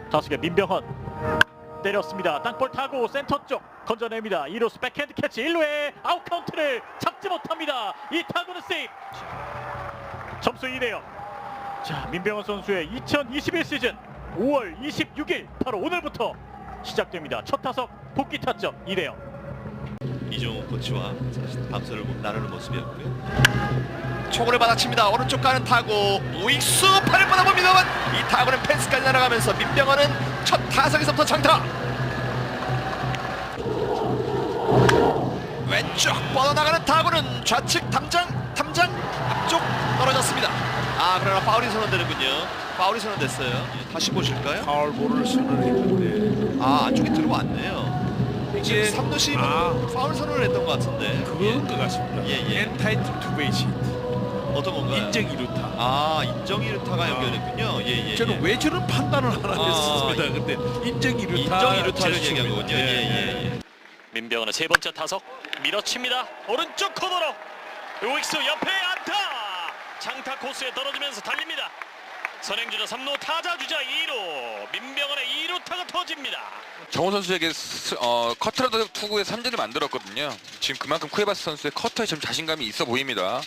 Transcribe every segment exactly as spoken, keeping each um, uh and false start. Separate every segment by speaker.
Speaker 1: 타석의 민병헌 때렸습니다. 땅볼 타고 센터 쪽 건져냅니다. 이 루수 백핸드 캐치 일 루에 아웃 카운트를 잡지 못합니다. 이 타구는 세이프. 점수 이 대 영. 자, 민병헌 선수의 이천이십일 시즌 오월 이십육일 바로 오늘부터 시작됩니다. 첫 타석 복귀 타점 이 대 영.
Speaker 2: 이종우 코치와 밤새를 나누는 모습이었고요. 초구를 받아칩니다. 오른쪽 가는 타구 우익수 팔을 뻗어봅니다만 이 타구는 펜스까지 날아가면서 민병헌은 첫 타석에서부터 장타. 왼쪽 뻗어나가는 타구는 좌측 담장 탐장 앞쪽 떨어졌습니다. 아, 그러나 파울이 선언되는군요. 파울이 선언됐어요. 예, 다시 보실까요?
Speaker 3: 파울볼을 선언했는데
Speaker 2: 아, 안쪽에 들어왔네요.
Speaker 3: 이게
Speaker 2: 삼 루 시입은
Speaker 3: 아.
Speaker 2: 파울 선언을 했던 것 같은데.
Speaker 3: 그건 것 같습니다.
Speaker 2: 예, 예.
Speaker 3: 엔타이틀 투 베이스 히트,
Speaker 2: 어떤 건가요?
Speaker 3: 인정 이루타.
Speaker 2: 아, 인정 이루타가 연결됐군요. 예, 예.
Speaker 3: 저는
Speaker 2: 예.
Speaker 3: 왜 저런 판단을 하나
Speaker 2: 아,
Speaker 3: 했습니다.
Speaker 2: 예.
Speaker 3: 근데 인정 이루타.
Speaker 2: 인정 이루타를
Speaker 3: 제스처입니다.
Speaker 2: 얘기한 거군요. 예, 예, 예.
Speaker 1: 민병헌의 세 번째 타석 밀어칩니다. 오른쪽 코너로 우익수 옆에 안타. 장타 코스에 떨어지면서 달립니다. 선행주자 삼 루 타자 주자 이 루 민병헌의 이 루타가 터집니다.
Speaker 4: 정우 선수에게 스, 어, 커트라도 투구에 삼 진을 만들었거든요. 지금 그만큼 쿠에바스 선수의 커터에 좀 자신감이 있어 보입니다.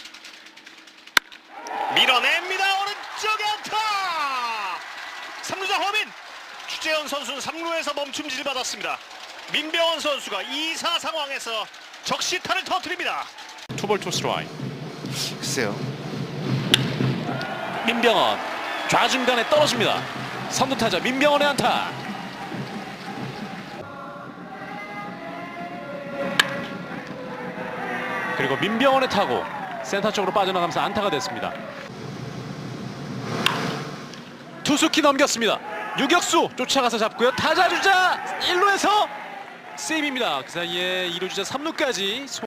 Speaker 1: 밀어냅니다. 오른쪽에 안타. 삼 루자 허민. 추재현 선수는 삼 루에서 멈춤지를 받았습니다. 민병헌 선수가 이 사 상황에서 적시타를 터뜨립니다. 투볼 투 스트라이크.
Speaker 2: 글쎄요.
Speaker 1: 민병헌 좌중간에 떨어집니다. 삼 루 타자 민병헌의 안타. 그리고 민병헌의 타구 센터 쪽으로 빠져나가면서 안타가 됐습니다. 투수키 넘겼습니다. 유격수 쫓아가서 잡고요. 타자 주자 일 루에서 세이브입니다. 그 사이에 이 루 주자 삼 루까지